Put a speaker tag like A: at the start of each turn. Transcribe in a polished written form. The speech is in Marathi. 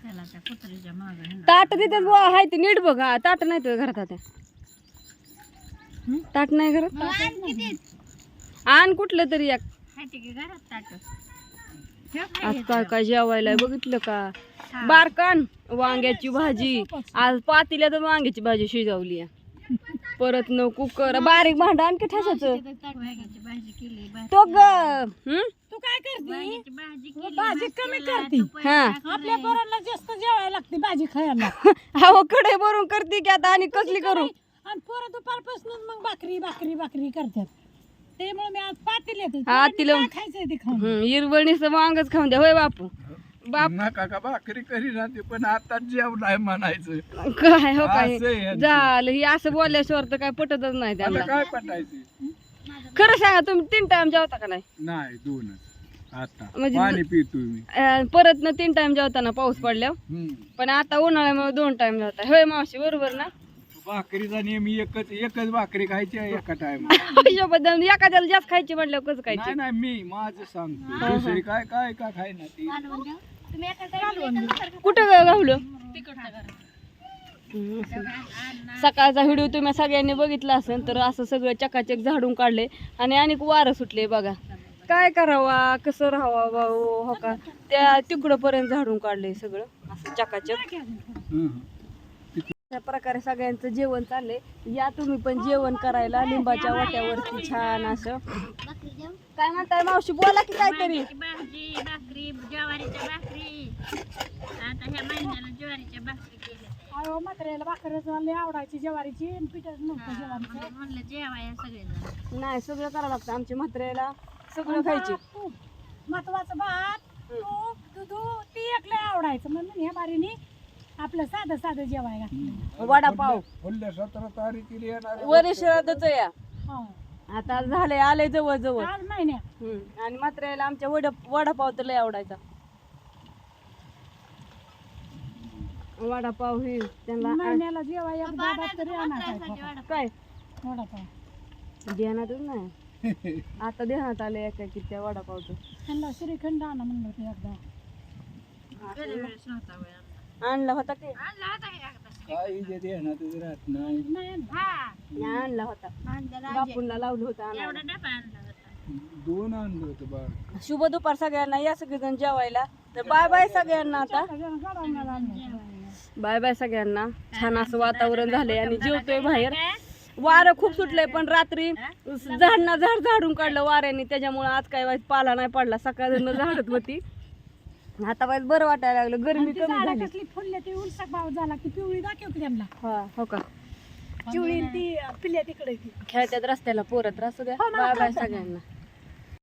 A: ताट तिथेच बुवा हाय ते नीट बघ. हा ताट नाही तुझ्या घरात आता. ताट नाही घरात. आण कुठलं तरी एक. आज काय काय जेवायला बघितलं का? बारकान वांग्याची भाजी. आज पातील्यात वांग्याची भाजी शिजवली आहे. परत न कुकर बारीक भांडा आणखी ठेसायचं तो ग.
B: तू काय करते भाजी कमी करते.
A: हा
B: आपल्या पोरांना जास्त जेवायला लागते भाजी खायला.
A: अहो कडे भरून करते की आता आणि कसली करू.
B: आणि पोरं दुपारपासून मग भाकरी भाकरी भाकरी करतात. त्यामुळे मी आज पातेल्यात
A: हा तिला
B: खायचंय ते खाऊन.
A: हिरवणीचं वांगच खाऊन द्या होय बापू. बाप
C: नका का भाकरी करी राहते पण आता जेवलाय म्हणायचं
A: काय हो काय
C: असं आहे.
A: झालं हे असं बोलल्याशिवाय तर काय पटतच नाही
C: आता
A: त्यांना.
C: काय पटायचं
A: खरं सांगा तुम्ही 3 टाइम जेवता का नाही?
C: नाही दोनच आता
A: म्हणजे
C: पाणी पितो मी.
A: परत न 3 टाइम जेवताना पाऊस पडल्यावर. पण आता उन्हाळ्यामुळे 2 टाइम जेवता होय मावशी बरोबर ना?
C: भाकरीचा नियम एकच भाकरी खायची आहे एका टाइम.
A: हिशोबात एखाद्याला जास्त खायची म्हटल्यावर कसं
C: नाही
A: खायची?
C: नाही मी माझं सांगतो दुसरी काय काय का खाय ना ती.
A: कुठं गावलं? सकाळचा व्हिडिओ तुम्ही सगळ्यांनी बघितला असेल तर असं सगळं चकाचक झाडून काढले आणि अनेक वारं सुटले बघा. काय करावा कसं राहावा भाऊ हो का त्या तिकडं पर्यंत झाडून काढले सगळं असं चकाचक. अशा प्रकारे सगळ्यांचं जेवण चाललंय. या तुम्ही पण जेवण करायला लिंबाच्या वाट्यावरती छान असं. काय म्हणताय मावशी बोला की काहीतरी.
D: भाजी भाकरी ज्वारीच्या भाकरी आता ह्या महिन्याला ज्वारीच्या भाकरी केल्या.
B: अहो म्हाताऱ्याला भाकरच लय आवडायची ज्वारीची आणि पिठच नव्हतं ज्वारीचं.
D: म्हणलं जेवाया सगळेजण.
A: नाही सगळं करावं लागतं आमच्या म्हाताऱ्याला सगळं खायचे.
B: महत्वाचं भात तूप दूध ती एक लय आवडायचं म्हणून ह्या बारीने आपलं साधं साधं जेवायला घातलं.
A: वडापाव
C: पुढल्या 17 तारखेला येणार
A: वरिष्ठातच या
B: हो.
A: आता झाले आले जवळ जवळ.
B: आज महिन्यात
A: आणि मात्र याला आमच्या वडापाव तर लय आवडायचा. वडापाव हे त्यांना
B: महिन्याला जेवायला दादा तरी आणायचा
A: काय
B: वडापाव.
A: ध्यानातच नाही आता ध्यानात आले एका की त्या वडापावचं.
B: त्यांना श्रीखंड आणा म्हणलं होतं एकदा.
A: आणला होता की
C: काही जे देण्यातच राहत नाही.
B: नाही आणलं.
A: आणला होता बापूंना लावलं होतं आणायला.
D: एवढा डबा आणला होता.
C: 2 आणलं होतं बाळ.
A: शुभ दुपार सगळ्यांना या सगळेजण जेवायला. तर बाय बाय सगळ्यांना आता.
B: गडावण्याला आणलं.
A: बाय बाय सगळ्यांना. छान असं वातावरण झालंय आणि जेवतोय बाहेर. वारं खूप सुटलंय पण रात्री झाडना झाड झाडून काढलं वाऱ्याने त्याच्यामुळे आज काय वाईट पाला नाही पडला. सकाळ झाडत होती आता वाईट बरं वाटायला लागलं. गरमी कमी
B: झाडं
A: झाली.
B: कसली फुलले ते उलसा भाव झाला की पिवळी दाखव की त्यांना.
A: हा हो का
B: पिवळी ती पिल्ल्या तिकडे ती
A: खेळत्यात रस्त्याला पोरत असू द्या. बाय बाय सगळ्यांना.